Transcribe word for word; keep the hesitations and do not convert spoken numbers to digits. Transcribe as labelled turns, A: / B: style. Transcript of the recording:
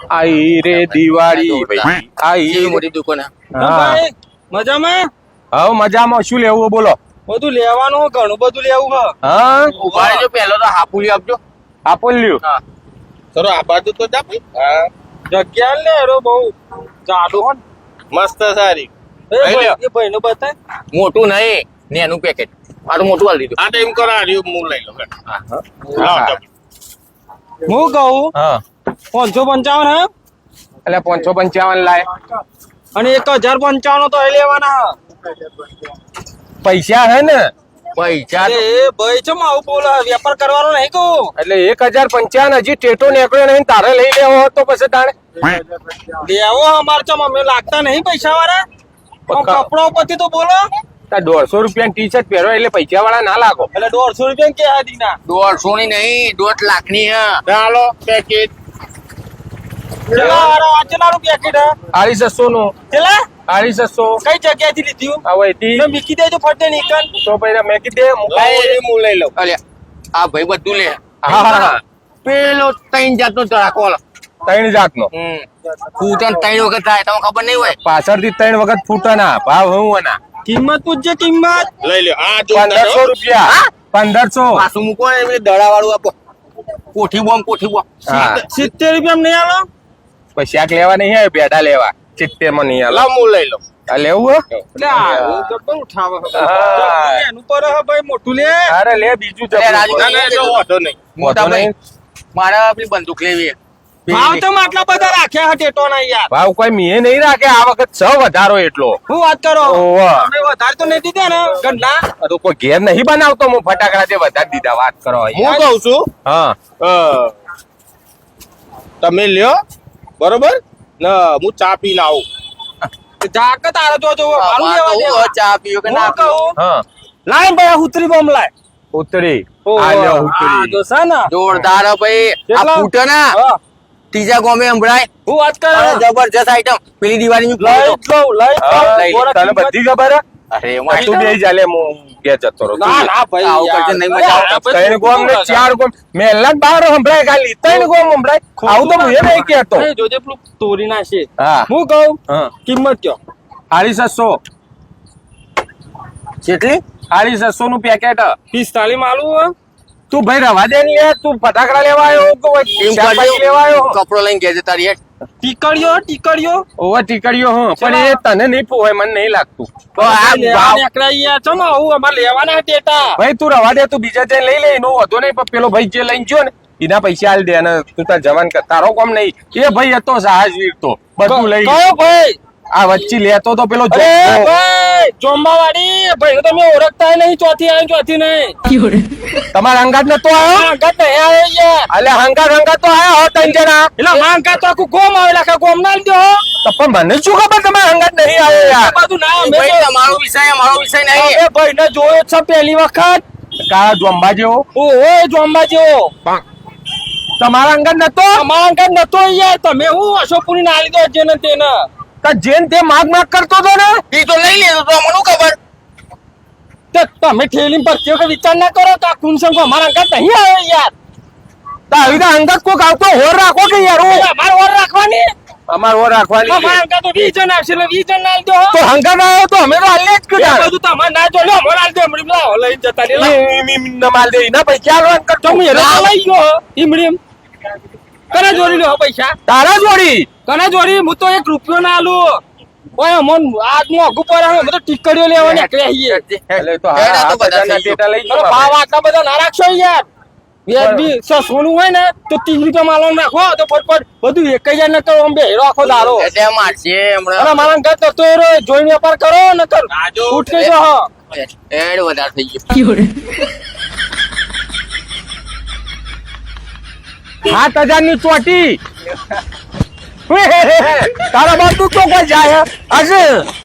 A: આઈ રે દિવાળી ભાઈ આઈ
B: કેવી મોટી દુકાન હે.
A: હા
C: મજામાં
A: હવે મજામાં શું લેવું બોલો
C: બધું લેવાનું ઘણું બધું લેવું હ
A: હા
B: ઉભા રહેજો, પહેલો તો હાપુલી આપજો.
A: આપો લ્યો
B: હા.
D: ચલો આ બાજુ તો જા ભાઈ. હા
C: જગ્યા લે રો બહુ ચાલુ હો
D: મસ્ત સારી.
C: એ
D: લઈ લ્યો.
C: ભાઈ એ ભાઈનું બતાય
B: મોટું નહીં ને એનું પેકેટ મારું મોટું આલી દીધું.
D: આ ટાઈમ કરો આ રહ્યું હું લઈ લઉં.
B: હા.
D: લાવ જા.
C: હું કહું
A: હા
C: પાંચસો પંચાવન હે
A: એટલે પાંચસો પંચાવન લાય
C: અને એક હજાર પંચાવન તો એ લેવાના
A: પૈસા હે ને
B: પૈસા
C: હે એ ભાઈ ચમ આવું બોલે વેપાર કરવાનો નહીં કહું
A: એટલે એક હજાર પંચાવન હજી ટેટો નીકળ્યો નહીં તારે લઈ લેવો તો પછી તાણે
C: લેવો અમાર ચમ અમે લાગતા નહીં પૈસા વાળા
A: પક્કા.
C: કપડો ઉપરથી તો બોલો
A: તાર દોઢસો રૂપિયા ટી શર્ટ પહેરો એટલે પૈસા વાળા ના લાગો
C: એટલે દોઢસો રૂપિયા કે દીના
B: દોઢસો ની નહીં દોઢ લાખ ની હે.
D: ચાલો પેકેટ.
C: ચલા હારો આ ચલાનું પેકેટ હે
A: આડી છસો નું
C: ચલા
A: આડી છસો
C: કઈ જગ્યાએથી લીધું
A: હવે તી
C: ને મૂકી દેજો ફટે નીકળ
A: તો પછી મેં કીધે
D: લઈ હું લઈ લઉં.
B: અલ્યા આ ભાઈ બધું લે.
A: હા હા હા
B: પેલો ત્રણ જાતનો ચડાકો આલો.
A: ત્રણ જાતનો
B: હમ ફૂટન ત્રણ વખત થાય તમને ખબર નહીં હોય.
A: પાછળથી ત્રણ વખત ફૂટના ભાવ હું ના
C: કિંમત પૂછજે કિંમત
D: લઈ લ્યો. આ જો
A: પંદરસો રૂપિયા
B: હા?
A: પંદરસો
B: પાછું મૂકો ને એટલે દડા વાળું આપો. કોઠી બોમ્બ કોઠી બોમ્બ.
A: હા
C: સિત્તેર રૂપિયા નહીં આલો
A: પછી શાક લેવા નહીં આવે બેડા લેવા સિત્તેર માં નહીં આલો
D: લાવ હું લઈ લઉં.
A: આ લેવું હે?
C: એટલે આ ગબ્બર ઉઠાવે હે.
A: હા.
C: એનું પર હે ભાઈ મોટું લે
A: અરે લે બીજું
B: અરે રાજુ
A: જબરું.
D: ના ના જો વાંધો નહીં.
B: મોટા
A: વાંધો
B: ભાઈ
A: નહીં.
B: મારે પેલી બંદૂક લેવી છે.
C: ભાવ તો આટલા બધા રાખ્યા હે ટેટો ના યાર
A: ભાવ કોઈ મીએ નહીં રાખે આ વખત છ વધારો એટલો
C: હું વાત કરો
A: ઓવા.
C: તમે વધારે તો નહીં દીધા ને ગંડા
A: આ તો કોઈ ઘેર નહીં બનાવતો હું ફટાકડા તે વધારે દીધા વાત કરો
D: હું કહું છું
A: હા
D: અ, તમે લ્યો બરોબર ને હું ચા પીને આવું.
C: જાક તારે તો જો મારું
B: આ
C: લેવા
B: તો
C: દેવા.
B: ચા પીવો કે ના
C: હું
B: પીવો.
C: કહું
A: હા
C: લાય ભાઈ ઉતરી બોમ્બ લાય
A: ઉતરી
C: ઓહો.
A: આ લ્યો
C: આ
A: ઉતરી
C: જો છે ને
B: જોરદાર હે ભાઈ આ
C: કેટલા?
B: ફૂટે ને
C: હા.
B: ત્રીજા ગોમે સંભળાય.
C: હું વાત કરે
B: અરે જબરજસ્ત આઈટમ પેલી દિવાળી
C: લઈ લઉં લઈ
A: હા,
C: લઉં.
B: લઈ લે.
C: બોરા
A: તને
C: કિંમત-
A: બધી ખબર હે?
B: અરે
A: આ તું બે ચાલે હું ઘેર જતો રહું
C: ના ના ભાઈ
B: આવું
C: યાર.
B: કરશે નહીં મજા આવે.
C: અરે, ભાઈ,
A: ત્રણ ગોમ ને
C: શું
A: ચાર ગોમ મેલા જ બાર સંભળાય ખાલી ત્રણ ગોમ સંભળાય આવું તો હું એ નહીં કહેતો
C: અરે, જોજે પેલું તોરી નાખશે
A: હા
C: હું કહું
A: હા
C: કિંમત કયો
A: સાડી છસો
B: કેટલી
A: સાડી છસો નું પેકેટ
C: પિસ્તાલીસ માલું
A: તું ભાઈ રવા દે ને યાર તું ફટાકડા લેવા આવ્યો કે કોઈ
B: એમ
A: શાકભાજી
B: કરજો.
A: લેવા આવ્યો
B: કપડો લઈને ઘેર જતા રહીએ.
C: ટીકડીઓ ટીકડીઓ
A: ઓવર ટીકડીઓ હા પણ એ તને નહીં પોવાય મને નહીં લાગતું
B: તો આ
C: લેવા
B: ભાવ
C: નીકળ્યા યાર ચમ આવું અમારે લેવાના ટેટા
A: ભાઈ તું રવા દે તું બીજા જઈને લઈ લે એનો વધો નહીં પણ પેલો ભાઈ જે લઈને ગયો ને એના પૈસા આલ દે અને તું તાર જવાન કર તારો કોમ નહીં એ ભાઈ હતો સાહસ વીર તો બધું લઈ
C: કયો ભાઈ
A: આ વચ્ચે લેતો તો પેલો
C: અરે
A: જોકો.
C: ભાઈ જોંબા વાળી ભાઈ તમે ઓળખતા નહીં ચોથી આવી ચોથી નહીં
A: તમારા અંગાત નતો આવ્યો
C: આ ગત નહીં આવે યાર
A: અલે હંગાત હંગાત તો આયા હો ત્રણ જણા
C: એટલે માંગા તો આખું ગોમ આવે લાખા ગોમ ના લીધો
A: તો પણ મને શું ખબર તમારા હંગાત નહીં આવ્યો યાર
C: બધું ના અમે
B: ભાઈ તમારો વિષય અમારો વિષય નહીં.
C: અમે ભાઈ ને જોયો જ છે પહેલી વખત
A: કા જોંબા જેવો
C: ઓહો જોંબા જેવો
A: તમારા અંગાત નતો
C: અમારા અંકલ નતો યાર તમે હું અશોકપુરી ના લીધો જેને તેને
A: તો જેન તે માગ માગ કરતો તો ને
B: ઈ તો લઈ લેતો તો મને ખબર.
C: તો તમે ઠેલી ભરતી વખત વિચાર ના કરો તો આ કુંસંગ અમારા અંકલ નહીં આવે યાર
A: તો આવી રીતે અંગાત કોક આવતો હોર રાખો કે યાર
C: એટલે અમારે ઓર રાખવાની
A: અમાર હોર રાખવાની
C: અમારા અંકલ તો વીસ જણ આવશે એટલે વીસ જણ ના લીધો
A: તો હંગાત આવ્યો તો અમે તો હાલે જ
C: એ
A: કીધા
C: બધું તમારે ના જોડે અમારે હાલ દે હમણાં લાવો લઈને જતા રહે લાવો.
A: માલ દે ના પૈસા આલવા કર
C: તો હું એનો લઈ ગયો ઈમડીમ કને જોડી લો પૈસા
A: તારા જોડી
C: કને જોડી હું તો એક રૂપિયો ના આલું ઓય મન આજ નું અઘુ પર અમે તો ટીકડીઓ લેવા નીકળ્યા છીએ
A: એટલે તો
B: હેડા
A: હા
B: તો બધા
A: બધાના
B: થઈ ગયું.
A: ટેટા લઈ
C: અરે
A: ગયો
C: ભાવ આટલા બધા ના રાખશો યાર વ્યાજબી સોનું હોય ને તો ત્રીસ રૂપિયા માલો નાખો તો ફટફટ બધું એક હજાર ને કરો અંબે હેરો આખો દારો
B: એટલે મારશે હમણાં.
C: અરે મારા ઘર તો તો રો જોઈને વેપાર કરો ને કર
D: રાજુ,
C: ઉઠકે જો હા
B: એડ વધારે થઈ ગયું.
A: સાત હજાર ની ચોટી તારા બાપ તું તો કોઈ જાય હશે